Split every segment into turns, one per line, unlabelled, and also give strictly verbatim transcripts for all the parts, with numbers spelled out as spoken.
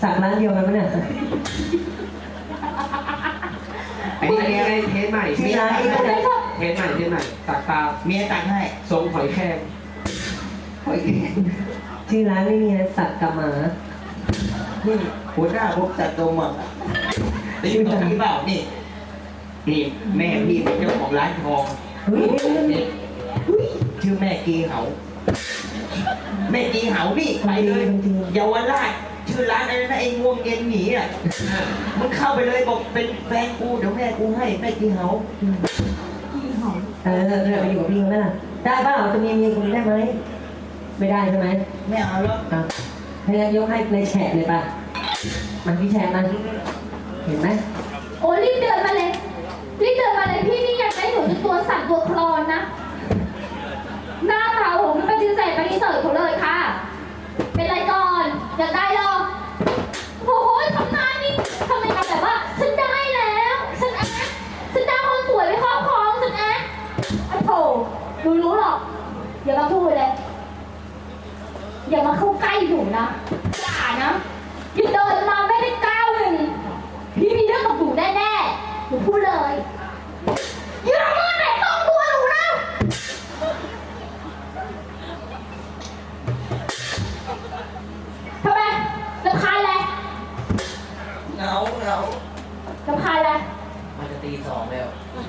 สักร้านเดียวกันไหมเนี่ย
อันนี้อันนี้อะไรเทสใหม่
ที่ร้านนี้ก็จะ
เทสใหม่เทสใหม่ตักตา
เมียตักให้
ทรงหอยแครง
โอ้ย
ที่ร้านไม่มีสักกับหมา
นี่หัวหน้าพบจัดตรงหมดได้ยินตรงนี้เปล่านี่นี่แม่พี่เป็นเจ้าของร้านทอง
เฮ้ย
นี่ชื่อแม่กีเหาแม่กีเหานี่ไปเลยเยาวราชชื่อร้านอะไรนะไอ้ง่วงเย็นหนีอ่ะมึงเข้าไปเลยบอกเป็นแฟนกูเดี๋ยวแม่กูให้แม่กีเหา
เออเออไปอยู่กับพี่เขาไหมล่ะได้เปล่าจะมีเมียคนได้ไหมไม่ได้ใช่ไหม
ไม่เอาแล้ว
อ่ะให้งั้นยกให้ในแฉะเลยป่ะมันพี่แฉะมันเห็นไหม
โอ้รีบเดินมาเลยรีบเดินมาเลยพี่นี่อยากได้หนูเป็นตัวสั่นตัวคลอนนะหน้าตาโอ้โหมันปฏิเสธปฏิเสธเขาเลยค่ะเป็นไรก่อนอยากได้หรอโอ้โหทำหน้านี่ทำไมทำแบบว่าฉันได้แล้วฉันแอ๊ะฉันได้คนสวยไปครอบครองฉันแอ๊ะไอ้โถรู้รู้หรอกอย่ามาพูดเลยอย่ามาเข้าใกล้หนูนะอย่านะอย่าเดินมาไม่ได้ก้าวหนึ่งพี่มีเรื่องกับหนูแน่ๆหนูพูดเลยอย่ามาแตะต้องตัวหนูนะทำไมรำคาญอะไร
เหงาเหงาร
ำคาญอะไร
มันจะตีสองแล้ว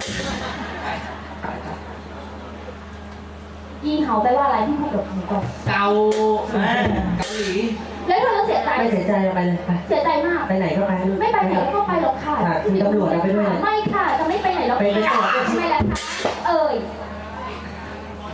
ยีเห่าไปว่าอะไรที่พูดกับหนูก่อน
เกาอ่าเกาหลี
แล้วเธอเสียใจ
ไม่เสียใจไปเลยไป
เสียใจมาก
ไปไหนก็ไป
ไม่ไปไหนก็ไปหรอกค่ะ
ค่ะมีตำรวจเอาไปด้วย
ไม่ค่ะจะไม่ไปไหนหรอก
ไปไปก่อน
ไม่แล้วค่ะเอ่ย